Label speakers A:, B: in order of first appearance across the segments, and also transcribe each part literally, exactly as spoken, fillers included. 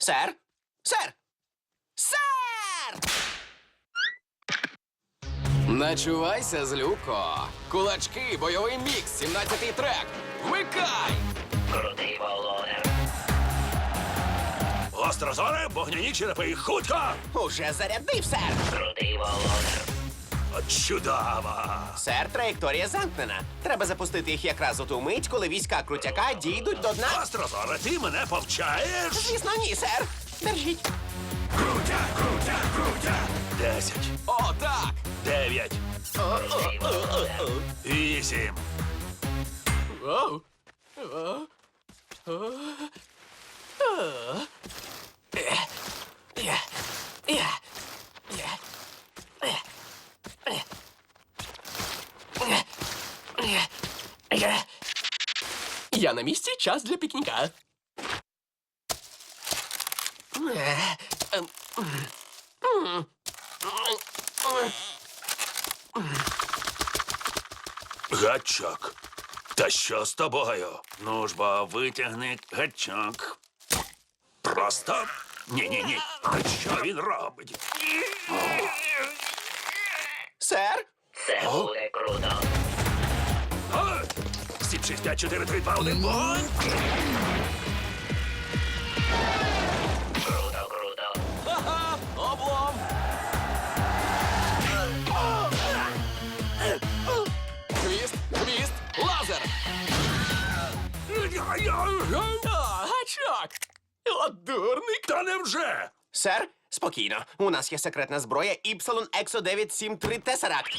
A: Сер? Сер! Сер!
B: Начувайся, злюко. Кулачки, бойовий мікс, сімнадцятий трек. Вмикай!
C: Крутий володар.
D: Гострозоре, вогняні черепи, хутко!
A: Уже зарядив, сер!
C: Крутий володар.
D: От чудово!
A: Сер, траєкторія замкнена. Треба запустити їх якраз у ту мить, коли війська крутяка дійдуть до дна.
D: Гострозоре, ти мене повчаєш?
A: Звісно, ні, сер. Держіть.
D: Крутя, крутя, крутя! Десять,
B: О, так!
D: дев'ять,
C: Крутий володар.
D: вісім.
B: Оу.
A: Я. Я. Я. Я. Я.
B: Я на місці, час для пікніка.
D: Гачок. Та що з тобою? Ну ж бо, витягни гачок. Просто. Ні-ні-ні. Що він робить?
A: Сер?
C: Це буде круто.
D: О! сім, шість, п'ять, чотири, три, два, один, вогонь!
C: Круто, круто.
B: Ха-ха! Облом! Хвіст, хвіст, лазер! О, гачок! От дурник!
D: Та невже?
A: Сер, спокійно. У нас є секретна зброя Іпсилон Ексо дев'ять сім три Тесаракт.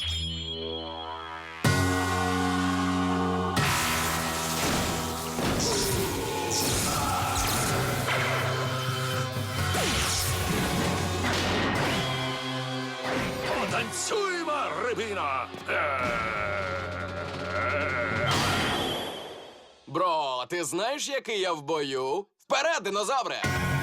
D: Потанцюємо, рибино!
B: Бро, ти знаєш, який я в бою? Вперед, динозавре!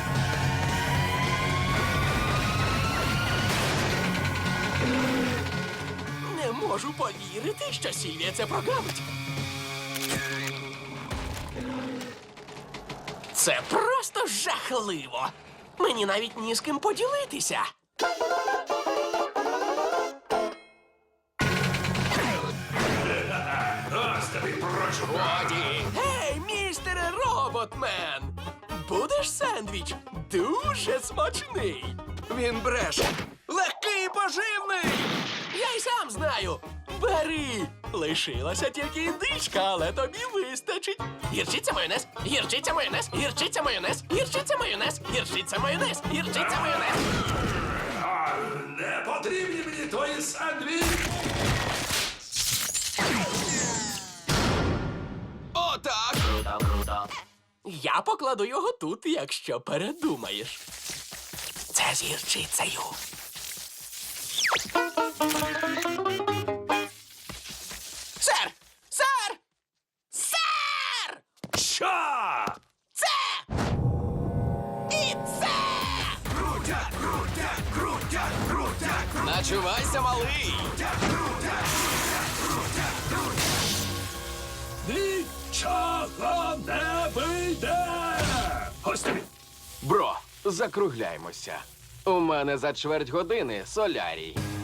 B: Не можу повірити, що Сільвія це прогавить. Це просто жахливо. Мені навіть ні з ким поділитися.
D: Ось тобі прошу.
B: Годі! Гей, містере Роботмен! Будеш сендвіч? Дуже смачний! Він бреше! Легкий і поживний! Я й сам знаю! Бери! Лишилася тільки індичка, але тобі вистачить! Гірчиця майонез! Гірчиця майонез! Гірчиця майонез! Гірчиця майонез! Гірчиця майонез! Гірчиця майонез!
D: А, не потрібні мені твої сандвічі!
B: Отак!
C: Круто, круто.
B: Я покладу його тут, якщо передумаєш. Це з гірчицею.
A: Сер! Сер! Сер!
D: Що?
A: Це! І це!
D: Крутя, крутя, крутя, крутя,
B: Начувайся, малий!
D: нічого не вийде! Ось тобі.
B: Бро, закругляймося. У мене за чверть години солярій.